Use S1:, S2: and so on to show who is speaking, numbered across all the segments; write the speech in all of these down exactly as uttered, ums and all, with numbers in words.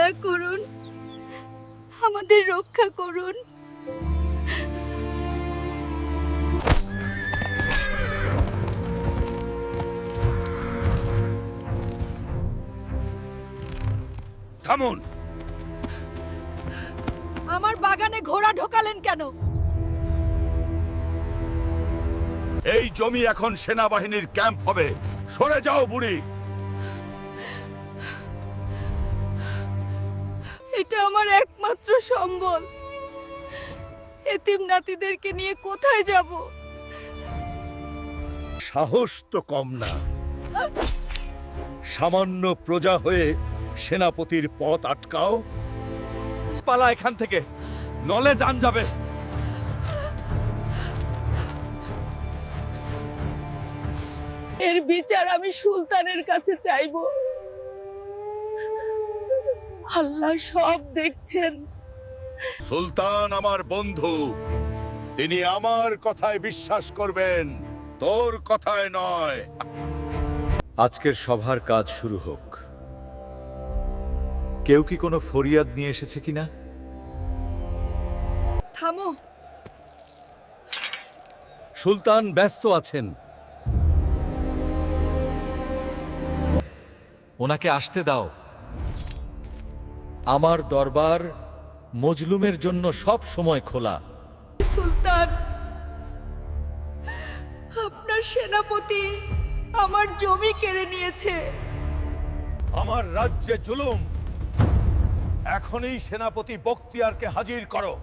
S1: দয়া করুন, আমাদের রক্ষা করুন।
S2: থামুন!
S1: আমার বাগানে ঘোড়া ঢোকালেন কেন?
S2: এই জমি এখন সেনাবাহিনীর ক্যাম্প হবে। সরে যাও বুড়ি।
S1: এটা আমার একমাত্র সম্বল। এতিম নাতিদেরকে নিয়ে কোথায় যাব?
S2: সাহস তো কম না। সামান্য প্রজা হয়ে সেনাপতির পথ আটকাও। পালা এখান থেকে, নলে জান যাবে।
S1: এর বিচার আমি সুলতানের কাছে চাইব। আল্লাহ সব দেখছেন।
S2: সুলতান আমার বন্ধু, তিনি আমার কথায় বিশ্বাস করবেন, তোর কথায় নয়।
S3: আজকের সভার কাজ শুরু হোক। কেউ কি কোনো ফরিয়াদ নিয়ে এসেছে কিনা?
S1: থামো।
S2: সুলতান ব্যস্ত আছেন।
S3: ওনাকে আসতে দাও। আমার দরবার মজলুমের জন্য সব সময় খোলা।
S1: সুলতান, আপনার সেনাপতি আমার জমি কেড়ে নিয়েছে।
S2: আমার রাজ্যে জুলুম। এখনই সেনাপতি বখতিয়ারকে হাজির করো।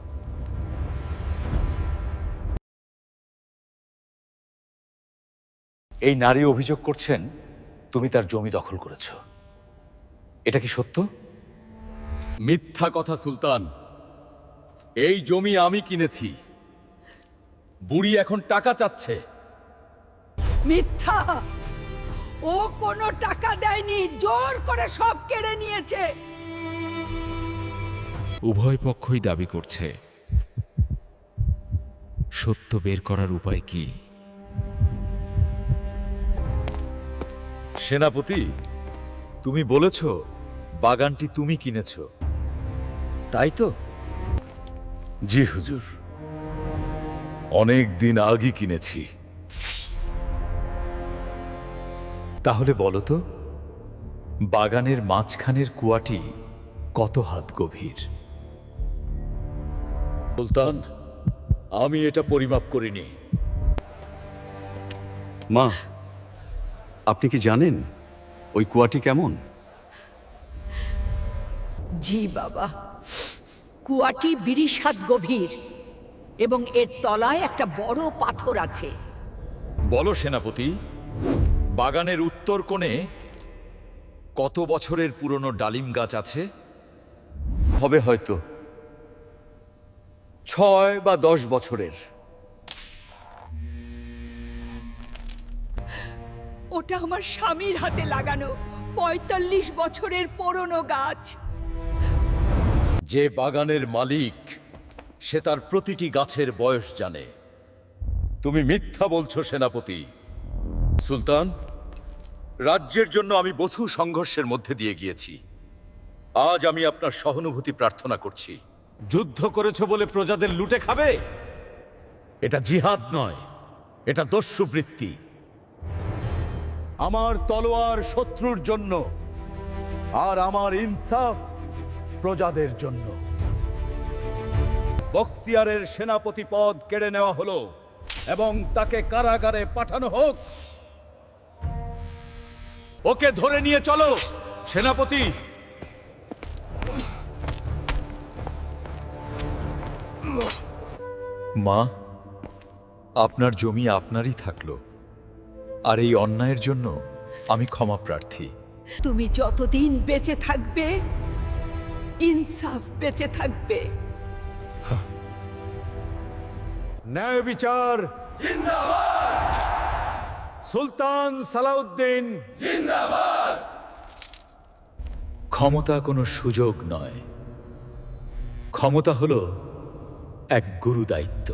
S3: এই নারী অভিযোগ করছেন তুমি তার জমি দখল করেছ। এটা কি সত্য?
S4: মিথ্যা কথা সুলতান। এই জমি আমি কিনেছি। বুড়ি এখন টাকা চাচ্ছে।
S1: মিথ্যা! ও কোনো টাকা দেয়নি, জোর করে সব কেড়ে নিয়েছে।
S5: উভয় পক্ষই দাবি করছে। সত্য বের করার উপায় কি?
S3: সেনাপতি, তুমি বলেছ বাগানটি তুমি কিনেছ, তাই তো?
S2: জি হুজুর, অনেক দিন আগে কিনেছি।
S3: তাহলে বলো তো, বাগানের মাঝখানের কুয়াটি কত হাত গভীর?
S4: সুলতান, আমি এটা পরিমাপ করিনি।
S6: মা, আপনি কি জানেন ওই কুয়াটি কেমন?
S1: জি বাবা, কুয়াটি বিরিশ হাত গভীর এবং এর তলায় একটা বড় পাথর আছে।
S4: বলো সেনাপতি, বাগানের উত্তর কোণে কত বছরের পুরনো ডালিম গাছ আছে?
S6: হবে হয়তো ছয় বা দশ বছরের।
S1: ওটা আমার স্বামীর হাতে লাগানো পঁয়তাল্লিশ বছরের পুরনো গাছ।
S4: যে বাগানের মালিক, সে তার প্রতিটি গাছের বয়স জানে। তুমি মিথ্যা বলছো সেনাপতি। সুলতান, রাজ্যের জন্য আমি বহু সংঘর্ষের মধ্যে দিয়ে গিয়েছি। আজ আমি আপনার সহানুভূতি প্রার্থনা করছি।
S2: যুদ্ধ করেছ বলে প্রজাদের লুটে খাবে? এটা জিহাদ নয়, এটা দস্যুবৃত্তি। আমার তলোয়ার শত্রুর জন্য, আর আমার ইনসাফ প্রজাদের জন্য। বখতিয়ারের সেনাপতি পদ কেড়ে নেওয়া হলো এবং তাকে কারাগারে পাঠানো হোক। ওকে ধরে নিয়ে চলো সেনাপতি।
S3: মা, আপনার জমি আপনারই থাকলো, আর এই অন্যায়ের জন্য আমি ক্ষমা প্রার্থী।
S1: তুমি যতদিন বেঁচে থাকবে, ইনসাফ বেঁচে থাকবে।
S2: ন্যায় বিচার জিন্দাবাদ। সুলতান সালাউদ্দিন জিন্দাবাদ।
S3: ক্ষমতা কোনো সুযোগ নয়, ক্ষমতা হলো এক গুরু দায়িত্ব।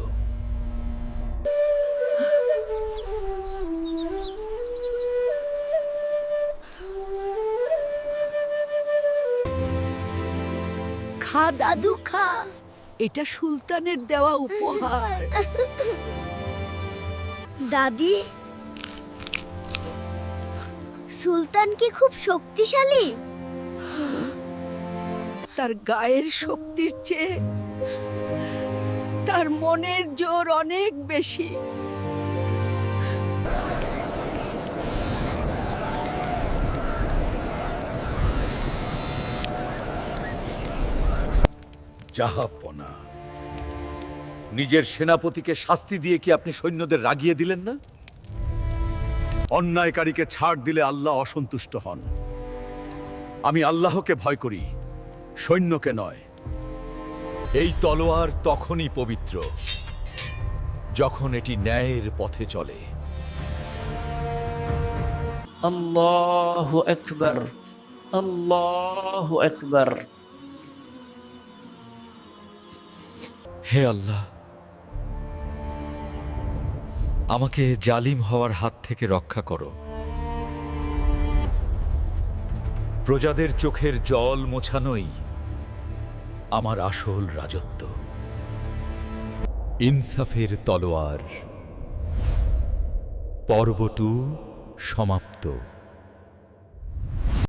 S1: খা দাদু খা, এটা সুলতানের দেওয়া উপহার।
S7: দাদি, সুলতান কি খুব শক্তিশালী?
S1: তার গায়ের শক্তির চেয়ে তার মনের জোর অনেক বেশি।
S2: জাহাপনা, নিজের সেনাপতিকে শাস্তি দিয়ে কি আপনি সৈন্যদের রাগিয়ে দিলেন না? অন্যায়কারীকে ছাড় দিলে আল্লাহ অসন্তুষ্ট হন। আমি আল্লাহকে ভয় করি, সৈন্যকে নয়।
S3: এই তলোয়ার তখনই পবিত্র যখন এটি ন্যায়ের পথে চলে।
S8: আল্লাহু আকবার, আল্লাহু আকবার।
S3: হে আল্লাহ, আমাকে জালিম হওয়ার হাত থেকে রক্ষা করো। প্রজাদের চোখের জল মোছানোই আমার আসল রাজত্ব। ইনসাফের তলোয়ার, পর্ব টু সমাপ্ত।